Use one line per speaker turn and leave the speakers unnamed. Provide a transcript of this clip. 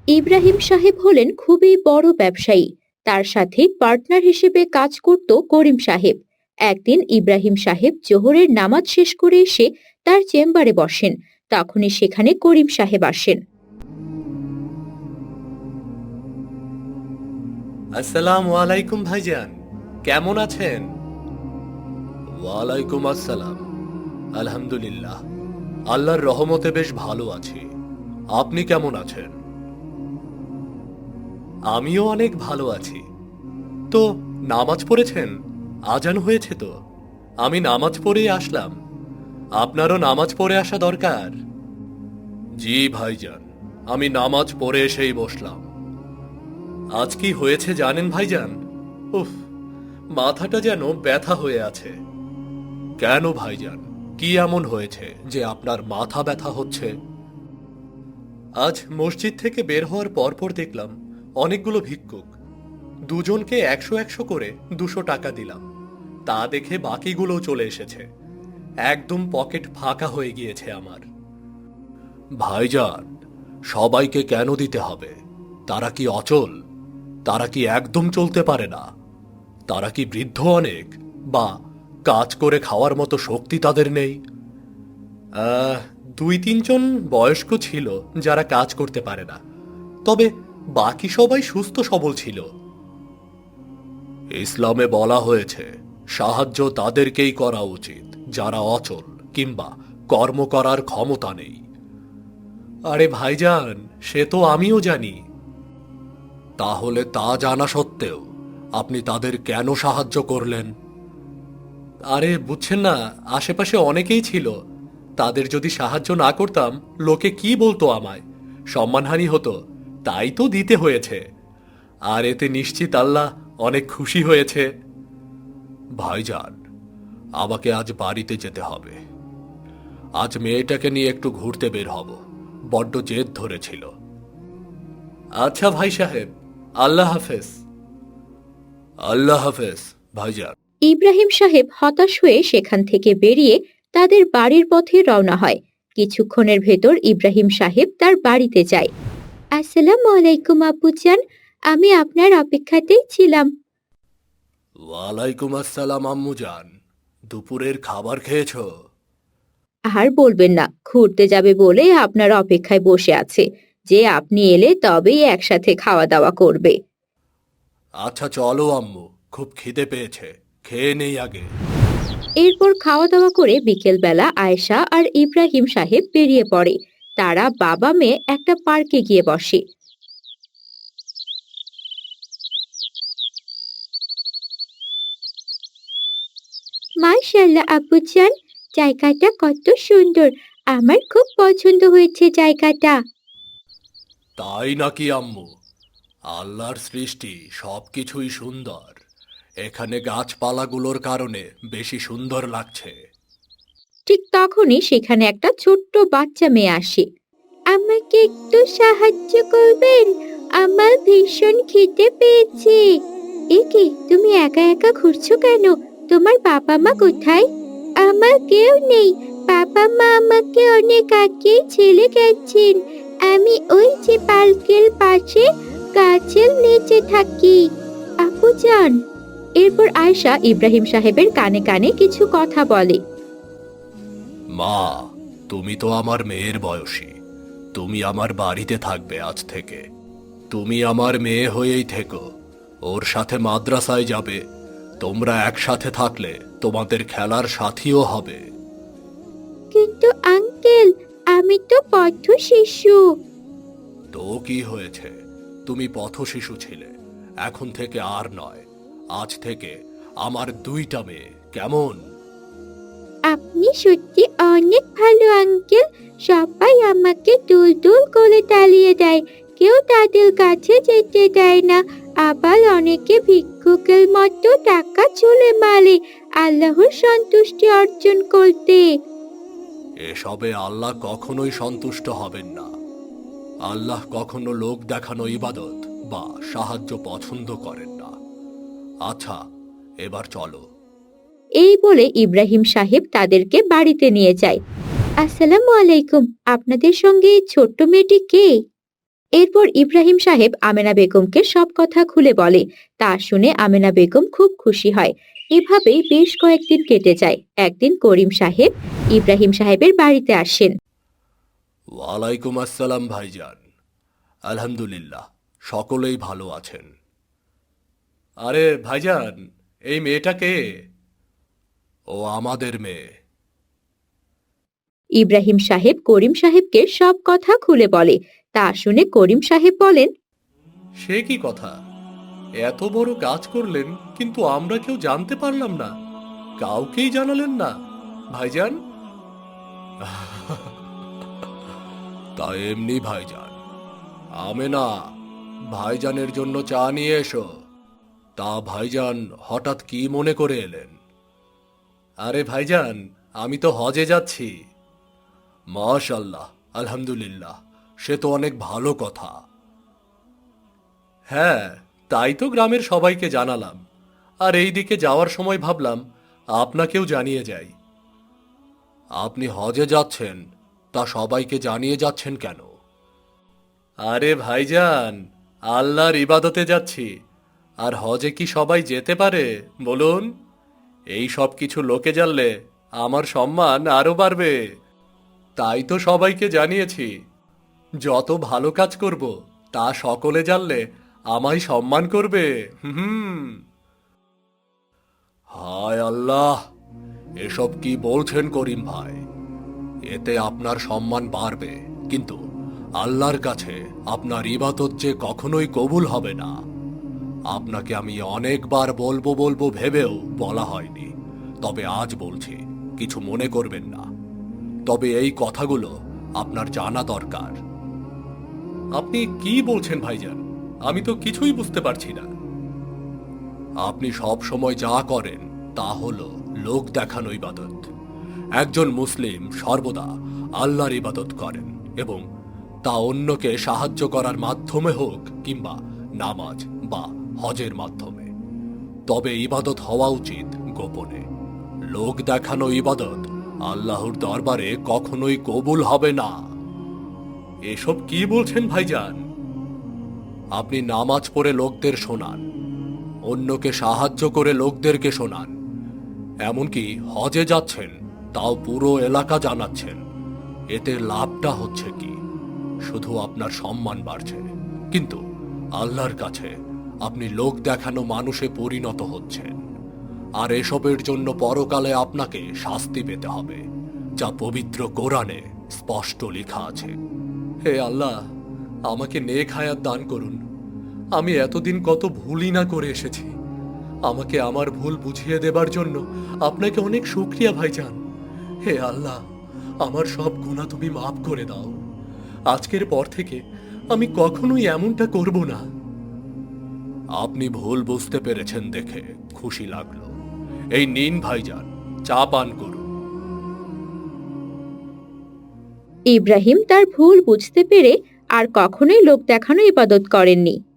ইব্রাহিম সাহেব হলেন খুবই বড় ব্যবসায়ী। তার সাথে পার্টনার হিসেবে কাজ করত করিম সাহেব। একদিন ইব্রাহিম সাহেব জোহরের নামাজ শেষ করে এসে তার চেম্বারে বসেন। তখনই সেখানে করিম সাহেব আসেন।
আসসালামু আলাইকুম ভাইজান, কেমন আছেন? ওয়ালাইকুম আসসালাম। আলহামদুলিল্লাহ, আল্লাহর রহমতে বেশ ভালো আছি। আপনি কেমন আছেন? আমিও অনেক ভালো আছি। তো নামাজ পড়েছেন? আজান হয়েছে তো। আমি নামাজ পড়েই আসলাম। আপনারও নামাজ পড়ে আসা দরকার। জি ভাইজান, আমি নামাজ পড়ে এসেই বসলাম। আজ কি হয়েছে জানেন ভাইজান? উফ, মাথাটা যেন ব্যথা হয়ে আছে। কেন ভাইজান, কি এমন হয়েছে যে আপনার মাথা ব্যথা হচ্ছে? আজ মসজিদ থেকে বের হওয়ার পরপর দেখলাম অনেকগুলো ভিক্ষুক। দুজনকে 100 করে 200 টাকা দিলাম। তা দেখে বাকিগুলোও চলে এসেছে। একদম পকেট ফাঁকা হয়ে গিয়েছে আমার। ভাইজান, সবাইকে কেন দিতে হবে? তারা কি অচল? তারা কি একদম চলতে পারে না? তারা কি বৃদ্ধ অনেক, বা কাজ করে খাওয়ার মতো শক্তি তাদের নেই? আহ, 2-3 জন বয়স্ক ছিল যারা কাজ করতে পারে না, তবে বাকি সবাই সুস্থ সবল ছিল। ইসলামে বলা হয়েছে সাহায্য তাদেরকেই করা উচিত যারা অচল কিংবা কর্ম করার ক্ষমতা নেই। আরে ভাইজান, সে তো আমিও জানি। তাহলে তা জানা সত্ত্বেও আপনি তাদের কেন সাহায্য করলেন? আরে বুঝছেন না, আশেপাশে অনেকেই ছিল। তাদের যদি সাহায্য না করতাম লোকে কি বলতো আমায়, সম্মানহানি হতো। তাই তো দিতে হয়েছে। আর এতে নিশ্চিত আল্লাহ অনেক খুশি হয়েছে। ভাইজান, আমাকে আজ বাড়িতে যেতে হবে। আজ মেয়েটাকে নিয়ে একটু ঘুরতে বের হব, বড্ড জেদ ধরেছিল। আচ্ছা ভাই সাহেব, আল্লাহ হাফেজ। আল্লাহ হাফেজ ভাইজান।
ইব্রাহিম সাহেব হতাশ হয়ে সেখান থেকে বেরিয়ে তাদের বাড়ির পথে রওনা হয়। কিছুক্ষণের ভেতর ইব্রাহিম সাহেব তার বাড়িতে যায়। আসসালামু আলাইকুম আব্বুজান, আমি আপনার অপেক্ষাতেই ছিলাম।
ওয়ালাইকুম আসসালাম আম্মুজান, দুপুরের খাবার খেয়েছো?
আর বলবেন না, ঘুরতে যাবে বলে আপনার অপেক্ষায় বসে আছে যে আপনি এলে তবেই একসাথে খাওয়া দাওয়া করবে।
আচ্ছা চলো আম্মু, খুব খিদে পেয়েছে, খেয়ে নেই আগে।
এরপর খাওয়া দাওয়া করে বিকেলবেলা আয়েশা আর ইব্রাহিম সাহেব বেরিয়ে পড়ে। তারা বাবা মেয়ে একটা পার্কে গিয়ে বসে। মাশাআল্লাহ আব্বুজান, জায়গাটা কত সুন্দর। আমার খুব পছন্দ হয়েছে জায়গাটা।
তাই নাকি আম্মু? আল্লাহর সৃষ্টি সবকিছুই সুন্দর। এখানে গাছপালাগুলোর কারণে বেশি সুন্দর লাগছে।
ঠিক তখনই সেখানে একটা ছোট্ট বাচ্চা মেয়ে আসে। আমাকে একটু সাহায্য করবেন? আমার ভীষণ খিদে পেয়েছে। এ কি, তুমি একা একা ঘুরছো কেন? তোমার বাবা মা কোথায়? আমার কেউ নেই। বাবা মা আমাকে অনেক আগেই ছেড়ে গেছেন। আমি ওই যে পার্কের পাশে গাছের নিচে থাকি। আপু যান। এরপর আয়েশা ইব্রাহিম সাহেবের কানে কানে কিছু কথা বলে।
মা, তুমি তো আমার মেয়ের বয়সী। তুমি আমার বাড়িতে থাকবে আজ থেকে। তুমি আমার মেয়ে হয়েই থেকো। ওর সাথে মাদ্রাসায় যাবে। তোমরা একসাথে থাকলে তোমাদের খেলার সাথীও হবে।
কিন্তু আঙ্কেল, আমি তো পথ শিশু।
তো কি হয়েছে? তুমি পথশিশু ছিলে, এখন থেকে আর নয়। আজ থেকে আমার 2টা মেয়ে, কেমন?
আপনি সত্যি অনেক ভালো আঙ্কেল। সবাই আমাকে দুল দুল করে তাড়িয়ে দেয়। কেউ তাদের কাছে যেতে দেয় না। আবার অনেকে ভিক্ষুকের মতো টাকা চুলে মারে আল্লাহর সন্তুষ্টি অর্জন করতে।
এসবে আল্লাহ কখনোই সন্তুষ্ট হবেন না। আল্লাহ কখনো লোক দেখানো ইবাদত বা সাহায্য পছন্দ করেন না। আচ্ছা, এবার চলো।
এই বলে ইব্রাহিম সাহেব তাদেরকে বাড়িতে নিয়ে যায়। আসসালামু আলাইকুম, আপনাদের সঙ্গে এই ছোট্ট মেয়েটি কে? এরপর ইব্রাহিম সাহেব আমেনা বেগমকে সব কথা খুলে বলে। তা শুনে আমেনা বেগম খুব খুশি হয়। এভাবেই বেশ কয়েকদিন কেটে যায়। একদিন করিম সাহেব ইব্রাহিম সাহেবের বাড়িতে আসেন।
ওয়ালাইকুম আসসালাম ভাইজান। আলহামদুলিল্লাহ, সকলেই ভালো আছেন। আরে ভাইজান, এই মেয়েটা কে? ও আমাদের মেয়ে।
ইব্রাহিম সাহেব করিম সাহেবকে সব কথা খুলে বলে। তা শুনে করিম সাহেব বলেন,
সে কি কথা? এত বড় কাজ করলেন, কিন্তু আমরা কেউ জানতে পারলাম না, কাউকেই জানালেন না ভাইজান। তা এমনি ভাইজান। আমেনা, ভাইজানের জন্য চা নিয়ে এসো। তা ভাইজান হঠাৎ কি মনে করে এলেন? আরে ভাইজান, আমি তো হজে যাচ্ছি। মাশাআল্লাহ, আলহামদুলিল্লাহ, সে তো অনেক ভালো কথা। হ্যাঁ, তাই তো গ্রামের সবাইকে জানালাম। আর এই দিকে যাওয়ার সময় ভাবলাম আপনাকেও জানিয়ে যাই। আপনি হজে যাচ্ছেন, তা সবাইকে জানিয়ে যাচ্ছেন কেন? আরে ভাইজান, আল্লাহর ইবাদতে যাচ্ছি। আর হজে কি সবাই যেতে পারে বলুন? এই সব কিছু লোকে জানলে আমার সম্মান আরো বাড়বে। তাই তো সবাইকে জানিয়েছি, যত ভালো কাজ করব তা সকলে জানলে আমায় সম্মান করবে। হুম। হায় আল্লাহ, এসব কি বলছেন করিম ভাই? এতে আপনার সম্মান বাড়বে, কিন্তু আল্লাহর কাছে আপনার ইবাদত যে কখনোই কবুল হবে না। আপনাকে আমি অনেকবার বলবো বলবো ভেবেও বলা হয়নি, তবে আজ বলছি, কিছু মনে করবেন না। তবে এই কথাগুলো আপনার জানা দরকার। আপনি কি বলছেন ভাইজান? আমি তো কিছুই বুঝতে পারছি না। আপনি সব সময় যা করেন তা হলো লোক দেখানো ইবাদত। একজন মুসলিম সর্বদা আল্লাহর ইবাদত করেন, এবং তা অন্যকে সাহায্য করার মাধ্যমে হোক কিংবা নামাজ বা হজের মাধ্যমে। তবে ইবাদত হওয়া উচিত গোপনে। লোক দেখানো ইবাদত আল্লাহর দরবারে কখনোই কবুল হবে না। এসব কি বলছেন ভাইজান? আপনি নামাজ পড়ে লোকদের শোনান, অন্যকে সাহায্য করে লোকদেরকে শোনান, এমনকি হজে যাচ্ছেন তাও পুরো এলাকা জানাচ্ছেন। এতে লাভটা হচ্ছে কি? শুধু আপনার সম্মান বাড়ছে, কিন্তু আল্লাহর কাছে আপনি লোক দেখানো মানুষে পরিণত হচ্ছেন। আর এসবের জন্য পরকালে আপনাকে শাস্তি পেতে হবে, যা পবিত্র কোরআনে স্পষ্ট লেখা আছে। হে আল্লাহ, আমাকে নেক হায়াত দান করুন। আমি এতদিন কত ভুলই না করে এসেছি। আমাকে আমার ভুল বুঝিয়ে দেবার জন্য আপনাকে অনেক শুকরিয়া ভাইজান। হে আল্লাহ, আমার সব গুনাহ তুমি মাফ করে দাও। আজকের পর থেকে আমি কখনোই এমনটা করব না। আপনি ভুল বুঝতে পেরেছেন দেখে খুশি লাগলো। এই নিন ভাইজান, চা পান করুন।
ইব্রাহিম তার ভুল বুঝতে পেরে আর কখনোই লোক দেখানো ইবাদত করেননি।